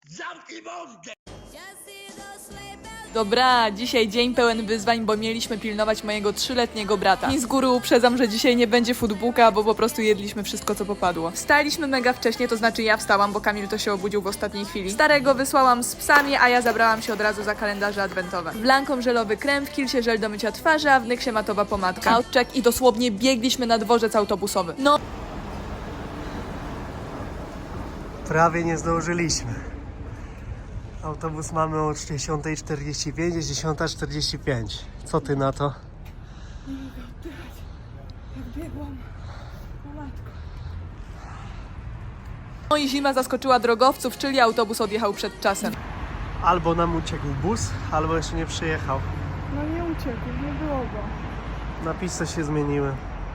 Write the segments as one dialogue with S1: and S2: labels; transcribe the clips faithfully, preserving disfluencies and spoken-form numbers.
S1: Zamknij mordę!
S2: Dobra, dzisiaj dzień pełen wyzwań, bo mieliśmy pilnować mojego trzyletniego brata. I z góry uprzedzam, że dzisiaj nie będzie foodbooka, bo po prostu jedliśmy wszystko, co popadło. Wstaliśmy mega wcześnie, to znaczy ja wstałam, bo Kamil to się obudził w ostatniej chwili. Starego wysłałam z psami, a ja zabrałam się od razu za kalendarze adwentowe. W Lancome żelowy krem, w Kilsie żel do mycia twarzy, a w Nyksie matowa pomadka. Outcheck i dosłownie biegliśmy na dworzec autobusowy. No.
S3: Prawie nie zdążyliśmy. Autobus mamy o dziesiąta czterdzieści pięć, jest dziesiąta czterdzieści pięć. Co ty na to?
S2: Nie mogę oddychać. Jak biegłam. O matko. No i zima zaskoczyła drogowców, czyli autobus odjechał przed czasem.
S3: Albo nam uciekł bus, albo jeszcze nie przyjechał.
S4: No nie uciekł, nie było go.
S3: Napisy się zmieniły.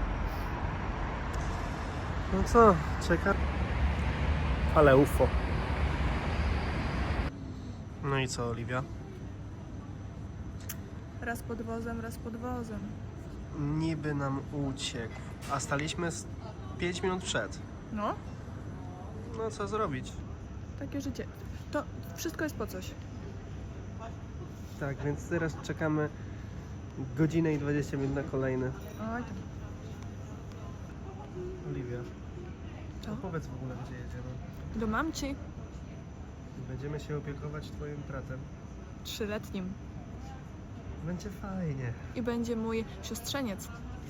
S3: No co, czeka? Ale U F O. No i co, Oliwia?
S4: Raz pod wozem, raz pod wozem.
S3: Niby nam uciekł, a staliśmy z pięć minut przed.
S4: No,
S3: No co zrobić?
S4: takie życie. To wszystko jest po coś.
S3: Tak, więc teraz czekamy godzinę i dwadzieścia minut na kolejny.
S4: Oj, tam.
S3: Oliwia,
S4: Co?
S3: no powiedz w ogóle, gdzie jedziemy.
S4: Do mamci.
S3: Będziemy się opiekować twoim bratem.
S4: Trzyletnim.
S3: Będzie fajnie.
S4: I będzie mój siostrzeniec.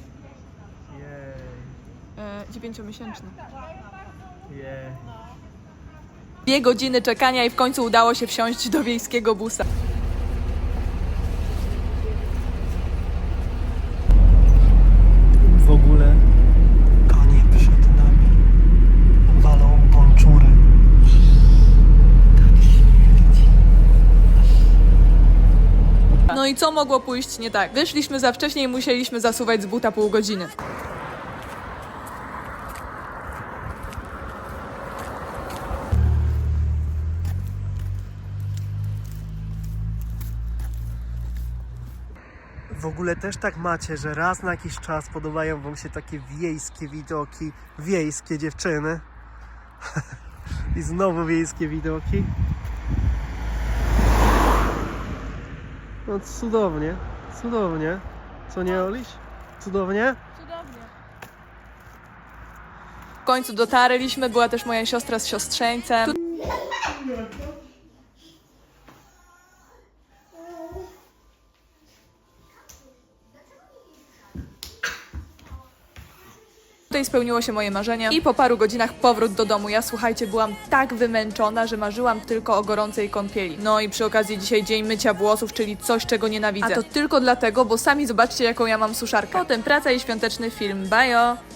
S3: Jej,
S4: E, dziewięciomiesięczny.
S3: jej.
S2: Dwie godziny czekania i w końcu udało się wsiąść do wiejskiego busa.
S3: W ogóle konie przed nami walą bonczury.
S2: No i co mogło pójść nie tak? Wyszliśmy za wcześnie i musieliśmy zasuwać z buta pół godziny.
S3: W ogóle też tak macie, że raz na jakiś czas podobają wam się takie wiejskie widoki, wiejskie dziewczyny. I znowu wiejskie widoki. No cudownie, cudownie. Co nie, Oliś? Cudownie?
S2: W końcu dotarliśmy, była też moja siostra z siostrzeńcem. Tutaj spełniło się moje marzenie i po paru godzinach powrót do domu. Ja, słuchajcie, byłam tak wymęczona, że marzyłam tylko o gorącej kąpieli. No i przy okazji dzisiaj dzień mycia włosów, czyli coś, czego nienawidzę. A to tylko dlatego, bo sami zobaczcie, jaką ja mam suszarkę. Potem praca i świąteczny film. Bajo!